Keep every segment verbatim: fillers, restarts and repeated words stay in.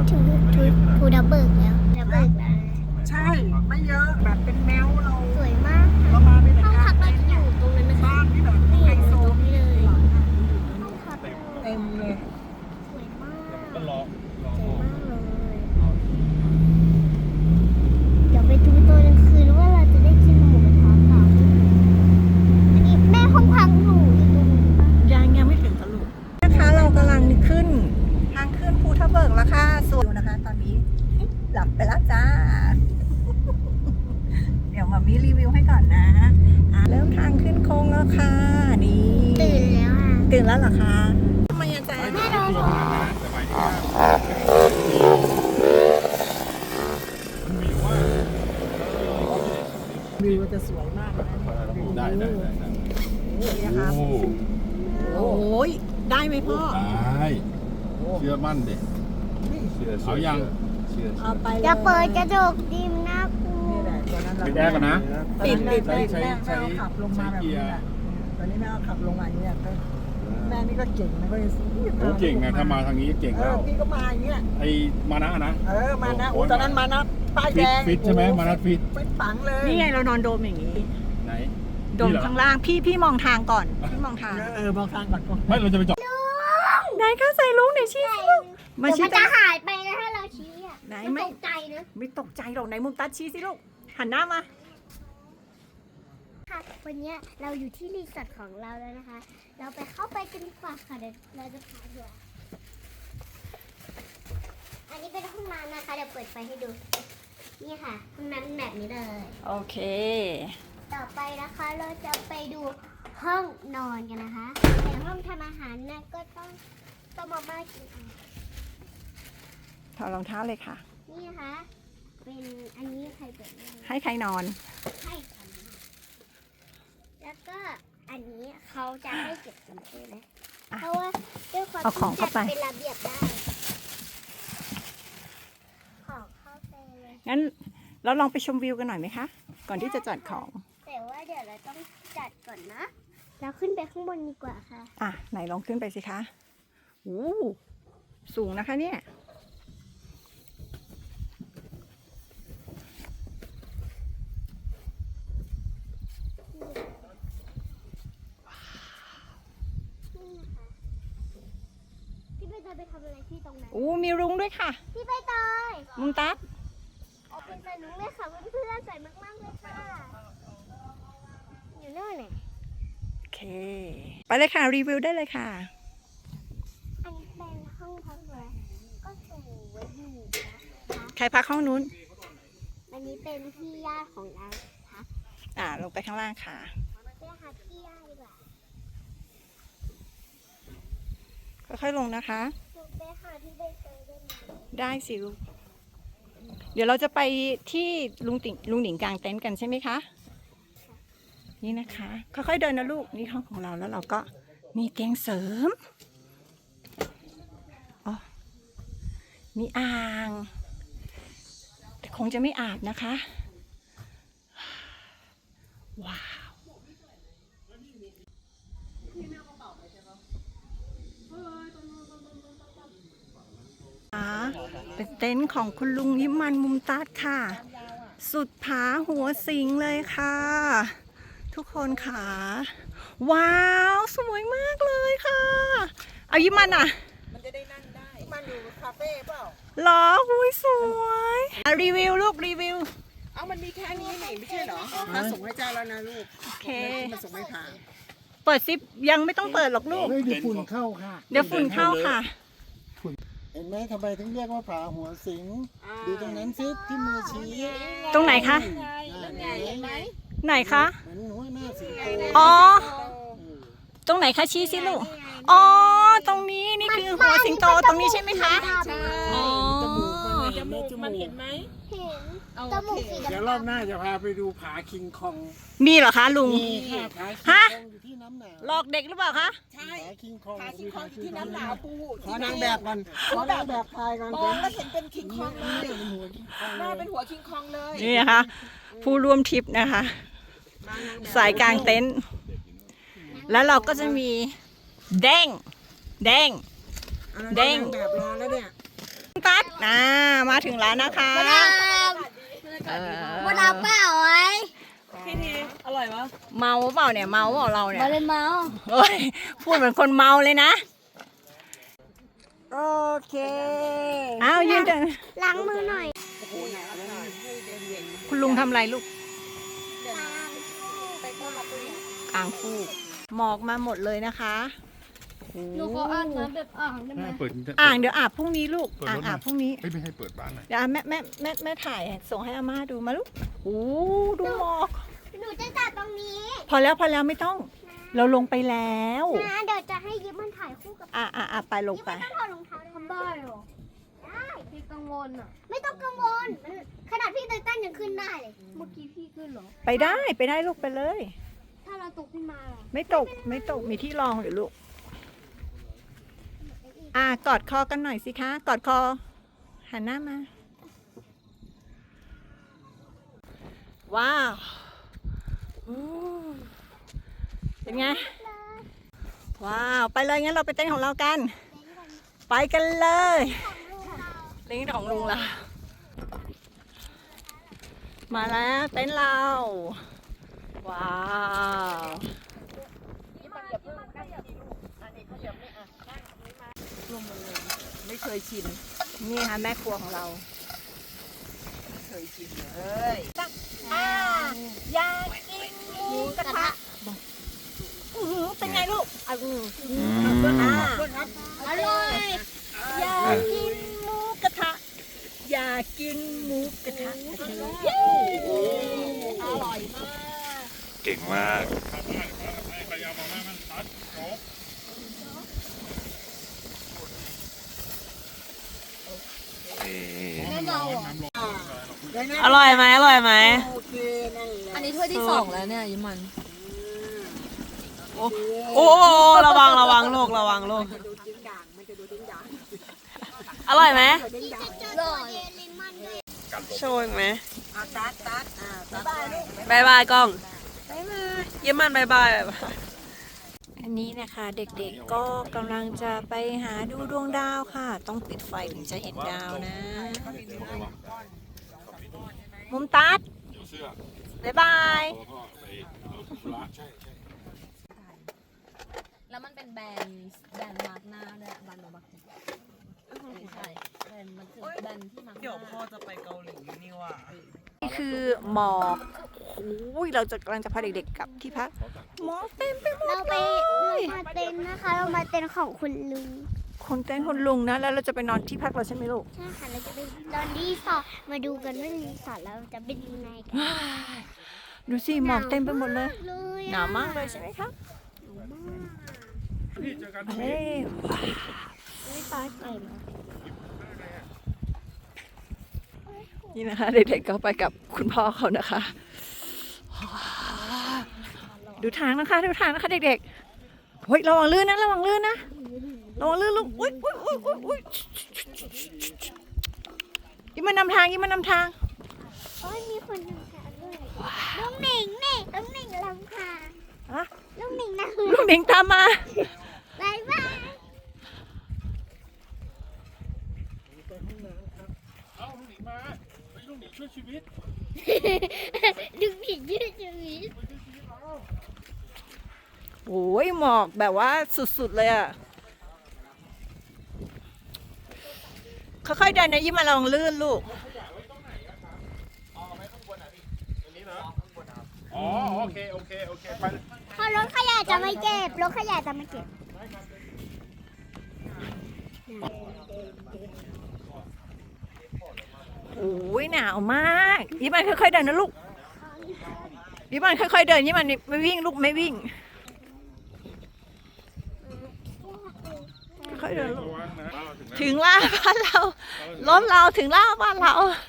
ถึงทูทูดับเบิลแล้วดับเบิลแล้วใช่ไม่เยอะแบบเป็นแมวเราสวยมากเรามาเป็นห้องกาพัรกเราจะอยู่ตรงนั้นนะคะบ้านที่แบบนี่ไฮอยู่โซตรงนี้เลยห้องพักเต็มเลยสวยมากก็รอรอสวยมากเลยเดี๋ยวไปดูตัวกลางคืนว่าเราจะได้กินหมูกระทะเปล่าอันนี้แม่ห้องพักหนูอยู่ตรงนี้ปะยังยังไม่ถึงตลุกนะคะเรากำลังขึ้นทางขึ้นภูทับเบิกแล้วค่ะส่วนนะคะ ตอนนี้หลับไปแล้วจ้า เดี๋ยวมามีรีวิวให้ก่อนนะอ่ะเริ่มทางขึ้นโค้งแล้วค่ะนี่ตื่นแล้วอ่ะตื่นแล้วเหรอคะทำไมอาจารย์แม่นอนตัวขนาดนั้นแต่หมายถึงว่ามันมีว่าวิวจะสวยมากนะได้ได้ได้ได้นี่นะคะโอ้โอ้ยได้ไหมพ่อได้เชื่อมั่นเด็กเอายังเอาไปเลยจะเปิดกระจกดิมน่ากลัวนี่แหละตอนนั้นเราปิดแอร์ก่อนนะปิดปิดใช้ปิดใช้แม่ใช้แม่เอาขับลงมาแบบใช้เกีนี้ยร์แหละตอนนี้แม่เอาขับลงมาอย่างนี้ยก็แม่นี่ก็เก่งนะก็เลยโอ้เก่งนะถ้ามาทางนี้เก่งเอแล้อวพี่ก็มาอย่างเงี้ยไอ้มานะนะเออมานะโอ้ตอนนั้นมานะป้ายแดฟิตงฟิตใช่ไหมมานะฟิตฟิตปังเลยนี่ไงเรานอนโดมอย่างนี้ไหนโดมข้างล่างพี่พี่มองทางก่อนพี่มองทางเออมองทางก่อนก่อนไม่เราจะไปจอดไหนคะใส่ลุงไหนชี้สิลูกมาเดี๋ยวชี้มันจะหายไปนะถ้าเราชี้อ่ะไหนมันไม่ตกใจนะไม่ตกใจหรอกไหนมุมตัดชี้สิลูกหันหน้ามาค่ะวันนี้เราอยู่ที่รีสอร์ทของเราแล้วนะคะ เราไปเข้าไปกันดีกว่าค่ะเดี๋ยวเราจะพาดูอันนี้เป็นห้องน้ำนะคะเดี๋ยวเปิดไฟให้ดูนี่ค่ะห้องน้ำแบบนี้เลยโอเคต่อไปนะคะเราจะไปดูห้องนอนกันนะคะแต่ห้องทำอาหารนะก็ต้องต้องมาบ้ากินเอาถอดรองเท้าเลยค่ะนี่นะคะ เป็นอันนี้ใครเปิดไม่ได้ให้ใครนอนให้ค่ะแล้วก็อันนี้เขาจะให้เก็บกันใช่ไหมอ่ะเพราะว่าด้วยความเอาของที่เข้าไปจัดเป็นระเบียบได้ของเข้าไปเลยงั้นเราลองไปชมวิวกันหน่อยไหมคะ ก่อนที่จะจัดของแต่ว่าเดี๋ยวเราต้องจัดก่อนนะ เราขึ้นไปข้างบนดีกว่าค่ะอ่ะไหนลองขึ้นไปสิคะโอ้สูงนะคะเนี่ยนี่นะคะพี่ใบเตยไปทำอะไรที่ตรงนั้นโอ้มีรุ้งด้วยค่ะพี่ใบเตยมุมตัดเอาเป็นสนุกเลยค่ะเพื่อนๆใส่มากๆเลยค่ะอยู่นู่นเนี่ยโอเค ไปเลยค่ะรีวิวได้เลยค่ะอันนี้เป็นห้องพักเลยก็สวยอยู่นะคะใครพักห้องนู้นอันนี้เป็นพี่ญาติของเราค่ะอ่าลงไปข้างล่างค่ะไปหาพี่ญาติดีกว่าค่อยๆลงนะคะหนูไปหาพี่ใบเตยได้ไหมได้สิลูก เดี๋ยวเราจะไปที่ลุงติ่งลุงหนิงกลางเต็นท์กันใช่ไหมคะ นี่นะคะ ค่อยๆเดินนะลูก นี่ห้องของเราแล้วเราก็มีเตียงเสริมอ๋อมีอ่าง แต่คงจะไม่อาบนะคะ ว้าวเป็นเต็นท์ของคุณลุงยิมมันมุมตัดค่ะ สุดผาหัวสิงเลยค่ะ ทุกคนค่ะ ว้าว สวยมากเลยค่ะ เอายิมมันอ่ะมันจะได้นั่งได้มันอยู่คาเฟ่เปล่าเหรอหุยสวยอ่ะรีวิวลูกรีวิวเอามันมีแค่นี้นี่ไม่ใช่เหรอมาส่งให้เจ้าแล้วนะลูกโอเคมาส่งให้ผ่านเปิดซิปยังไม่ต้องเปิดหรอกลูกเฮ้ยเดี๋ยวฝุ่นเข้าค่ะเดี๋ยวฝุ่นเข้าค่ะเห็นไหมทำไมถึงเรียกว่าผาหัวสิง ดูตรงนั้นซิที่มือชี้ตรงไหนคะนั่นไงเห็นไหมไหนคะเหมือนหัวหน้าสิงโตอ๋อ ตรงไหนคะชี้สิลูก อ๋อ ตรงนี้นี่คือหัวสิงโตตรงนี้ใช่ไหมคะ อ๋อจมูกมันเห็นไหมจมูกเห็นจมูกสีดำเดี๋ยวรอบหน้าจะพาไปดูผาคิงคองมีเหรอคะลุงมีค่ะผาคิงฮะคองอยู่ที่น้ำหนาวหลอกเด็กหรือเปล่าคะใช่ผาคิงคองพาคิงคองอยู่ที่น้ำหนาวปูขอนางแบบก่อนขอนางแบบทายก่อนมองแล้วเห็นเป็นคิงคองเลยเป็นหัวคิงคองหน้าเป็นหัวคิงคองเลยนี่นะคะ ผู้ร่วมทริปนะคะ สายกลางเต็นท์ แล้วเราก็จะมีแดง แดง เด้งแบบรอแล้วเนี่ยตัดนะมาถึงแล้วนะคะมาดามเออมาดามเปล่าไว้พี่ทีอร่อยปะเมาเปล่าเนี่ยเมาเปล่าเราเนี่ยมาเลยเมาเฮ้ยพูดเหมือนคนเมาเลยนะโอเคอ้าวยืนเดินล้างมือหน่อยคุณลุงทำอะไรลูกอ่างฟูกหมอกมาหมดเลยนะคะหนูขออาบน้ำแบบอ่างได้ไหมเปิดอ่างเดี๋ยวอาบพรุ่งนี้ลูกเปิดอ่างรถหน่อาบพรุ่งนี้เอ้ยไม่ให้เปิดบ้านหน่อยเดี๋ยวอ่ะแม่แม่แม่แม่ถ่ายส่งให้อาม่าดูมาลูกโอ้ดูหมอกหนูจะจัดตรงนี้พอแล้วพอแล้วไม่ต้อง เราลงไปแล้วนะเดี๋ยวจะให้ยิ้มมันถ่ายคู่กับอ่ะอ่ะอ่ะไปลงยิ้มไปมันต้องถอดรองเท้าทำได้หรอได้พี่กังวลอ่ะไม่ต้องกังวลขนาดพี่ไตตันยังขึ้นได้เลยเมื่อกี้พี่ขึ้นเหรอไปได้ไปได้ลูกไปเลยถ้าเราตกขึ้นมาล่ะไม่ตกไม่ตกมีที่รองอยู่ลูก อ่ะกอดคอกันหน่อยสิคะ กอดคอ หันหน้ามา ว้าวอู้เป็นไง ว้าว ไปเลยงั้นเราไปเต้นของเรากัน ไปกันเลยเล่นของลุงล่ะ มาแล้วเต้นเรา ว้าว ไม่เคยชิน นี่ค่ะแม่ครัวของเราไม่เคยชินเลยอ่าอยากกินหมูกระทะอื้อหือเป็นไงลูกอ่ะอืมอ่าอร่อยอยากกินหมูกระทะ อยากกินหมูกระทะเย้อร่อยมากเก่งมากอร่อยไหมอร่อยไหมโอเคนั่นแหละอันนี้ถ้วยที่สองแล้วเนี่ยยิ้มมัน โอ้โอ้ระวังระวังลูกระวังลูก อร่อยไหมอร่อยเลมอนด้วยโชว์อีกไหมอ่ะตัดตัดอ่าตัดบายบายกล้องยิ้มมันบายบายอันนี้นะคะเด็กๆก็กำลังจะไปหาดูดวงดาวค่ะ ต้องปิดไฟถึงจะเห็นดาวนะ มุมตัดบ๊ายบายแล้วมันเป็นแบรนด์แบรนด์มาร์กหน้าด้วยแบรนด์มาร์กไม่ใช่แบรนด์มันคือแบรนด์ที่มาร์กหน้าเดี๋ยวพ่อจะไปเกาหลีนี่ว่ะนี่คือหมอกโอ้ยเราจะกำลังจะพาเด็กๆกลับที่พักหมอกเต็มไปหมดเราไปเลยเรามาเต็นท์นะคะ เรามาเต็นท์ของคุณลุงคนเต้นคนลุงนะ แล้วเราจะไปนอนที่พักเราใช่ไหมลูกใช่ค่ะ เราจะไปตอนรีสอร์ทมาดูกันว่ารีสอร์ทเราจะเป็นยังไงกันดูสิหมอกเต็มไปหมดเลยเลยหนาวมากเลยใช่ไหมคะเฮ้ยไม่ปลาใส่มานี่นะคะเด็กๆก็ไปกับคุณพ่อเขานะคะ ดูทางนะคะดูทางนะคะเด็กๆเฮ้ยระวังลื่นนะระวังลื่นนะระวังลื่นลูกอุ้ยอุ้ยอุ้ยอุ้ยอุ้ยยิ้มมานำทางยิ้มมานำทางโอ้ยมีคนทำการด้วยลุงหนิงนี่ลุงหนิงลำพาฮะลุงหนิงนะลูกหนิงตามมาบายบายเอาลูกหนีมาไปลูกหนีช่วยชีวิตลุงหนิงยืดชีวิตโอ้ยหมอกแบบว่าสุดๆเลยอ่ะค่อยๆเดินนะยิ้มมาระวังลื่นลูกอ๋อโอเคโอเคโอเคไปพอรถขยะจะไม่เก็บรถขยะจะไม่เก็บโอ้ยหนาวมากยิ้มมันค่อยๆเดินนะลูกยิ้มมันค่อยๆเดินยิ้มมันไม่วิ่งลูกไม่วิ่งค่อยๆเดินลูกระวังนะเราถึงแล้วถึงล่าบ้านเรารถเราถึงล่าบ้านเรา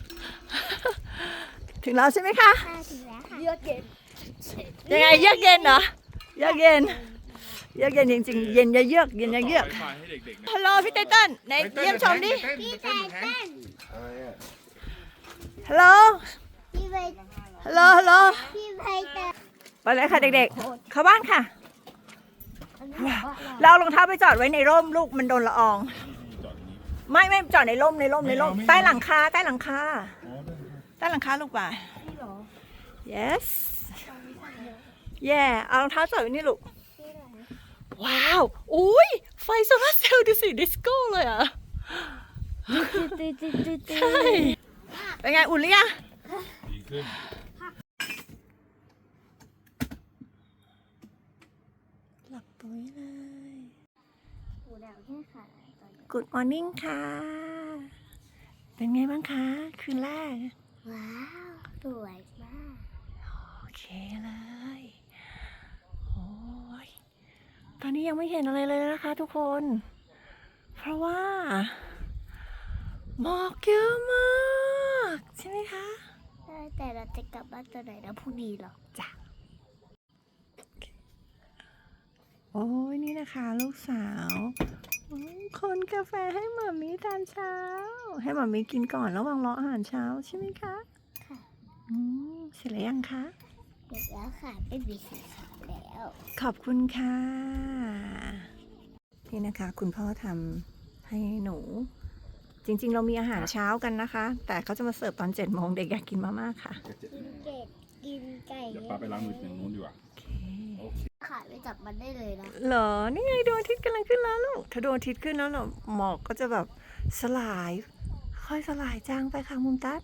ถึงแล้วใช่ไหมคะมาถึงแล้วค่ะเยือกเย็นยังไงเยือกเย็นเหรอเยือกเย็นเยือกเย็นจริงๆเย็นอย่าเยือกเย็นอย่าเยือกต่ไฟให้เด็กๆนะฮัลโหลพี่ไตเติ้ลไหนเยี่ยมชมดิพี่ใจเต้นฮัลโหลพี่ใบฮัลโหลฮัลโหลพี่ใบเต้นไปเลยค่ะเด็กๆเข้าบ้านค่ะเราเอารองเท้าไปจอดไว้ในร่มลูกมันโดนละอองไม่ไม่จอดในร่มในร่มในร่มไม่เอาไม่เอาใต้หลังคาใต้หลังคาอ๋อได้ครับใต้หลังคาลูกป่ะ yes yeah เอารองเท้าจอดไว้นี่ลูก ว้าว อุ้ย ไฟโซลาร์เซลล์ดูสิ ดิสโก้เลยอ่ะ ใช่ เป็นไง อุ่นหรือยังดีขึ้นหลับปุ๋ยเลยหูดาวแค่ขาตอนนี้ Good morning ค่ะ เป็นไงบ้างคะ คืนแรกว้าว สวยมากโอเคเลย โอ้ย ตอนนี้ยังไม่เห็นอะไรเลยนะคะทุกคน เพราะว่าหมอกเยอะมาก ใช่ไหมคะแต่เราจะกลับบ้านตอนไหนนะพรุ่งนี้หรอจ้ะ โอ้ยนี่นะคะลูกสาวอืมคนกาแฟให้หมามีตอนเช้า ให้หมามีกินก่อนระหว่างรออาหารเช้าใช่ไหมคะค่ะอืมเสร็จแล้วยังคะเสร็จแล้วค่ะไม่มีสีขาวแล้วขอบคุณค่ะ นี่นะคะ คุณพ่อทำให้หนู จริงๆ เรามีอาหารเช้ากันนะคะ แต่เขาจะมาเสิร์ฟตอนเจ็ดโมงเด็กอยากกินมาม่าค่ะกินเกดกินไก่เดี๋ยวป้าไปล้างมืออย่างนู้นดีกว่าโอเคโอเคขาไปจับมันได้เลยนะเหรอ นี่ไงดวงอาทิตย์กำลังขึ้นแล้วลูก ถ้าดวงอาทิตย์ขึ้นแล้วเนาะหมอกก็จะแบบสลาย ค่อยสลายจางไปค่ะมุมตัด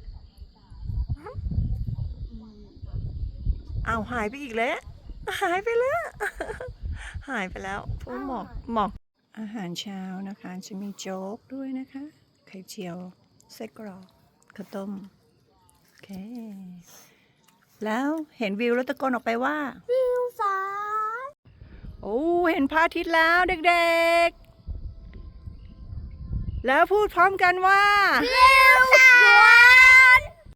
อ้าวหายไปอีกแล้ว หายไปแล้ว หายไปแล้วเพราะหมอกหมอกอาหารเช้านะคะ จะมีโจ๊กด้วยนะคะ ไข่เจียวไส้กรอกข้าวต้ม โอเค แล้วเห็นวิวแล้วตะโกนออกไปว่าวิวฟ้าโอ้ เห็นพระอาทิตย์แล้วเด็กๆ แล้วพูดพร้อมกันว่าวิว